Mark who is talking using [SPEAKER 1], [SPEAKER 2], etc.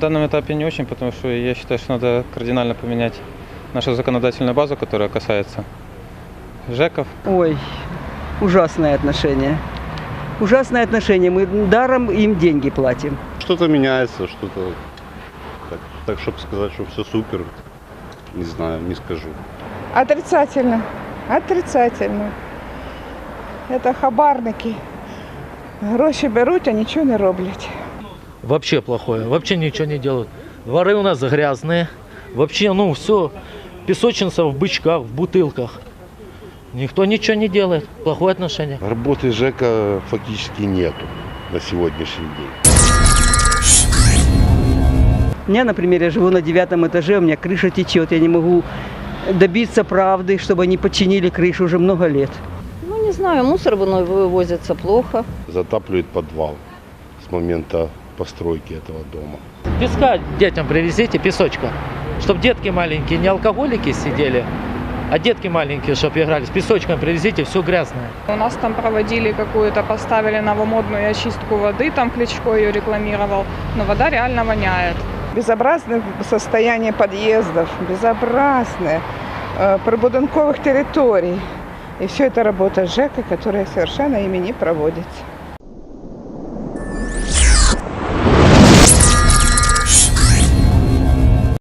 [SPEAKER 1] данном этапе не очень, потому что я считаю, что надо кардинально поменять нашу законодательную базу, которая касается ЖЭКов.
[SPEAKER 2] Ой, ужасное отношение. Ужасное отношение. Мы даром им деньги платим.
[SPEAKER 3] Что-то меняется, что-то так, чтобы сказать, что все супер, не знаю, не скажу.
[SPEAKER 4] Отрицательно. Отрицательно. Это хабарники. Гроші беруть, а нічого не роблять.
[SPEAKER 5] Вообще плохое, вообще ничего не делают. Дворы у нас грязные. Вообще, ну, все, песочница в бычках, в бутылках. Никто ничего не делает. Плохое отношение.
[SPEAKER 6] Работы ЖЭКа фактически нету на сегодняшний день.
[SPEAKER 2] У меня, например, я живу на 9 этаже, у меня крыша течет. Я не могу добиться правды, чтобы они починили крышу уже много лет.
[SPEAKER 7] Ну, не знаю, мусор вывозится плохо.
[SPEAKER 6] Затапливает подвал с момента постройки этого дома.
[SPEAKER 5] Песка детям привезите, песочка. Чтобы детки маленькие, не алкоголики сидели, а детки маленькие, чтобы играли. С песочком привезите, все грязное.
[SPEAKER 4] У нас там проводили какую-то, поставили новомодную очистку воды, там Кличко ее рекламировал, но вода реально воняет. Безобразное состояние подъездов, безобразное, прибудинковых территорий. И все это работа ЖЭКа, которая совершенно ими не проводится.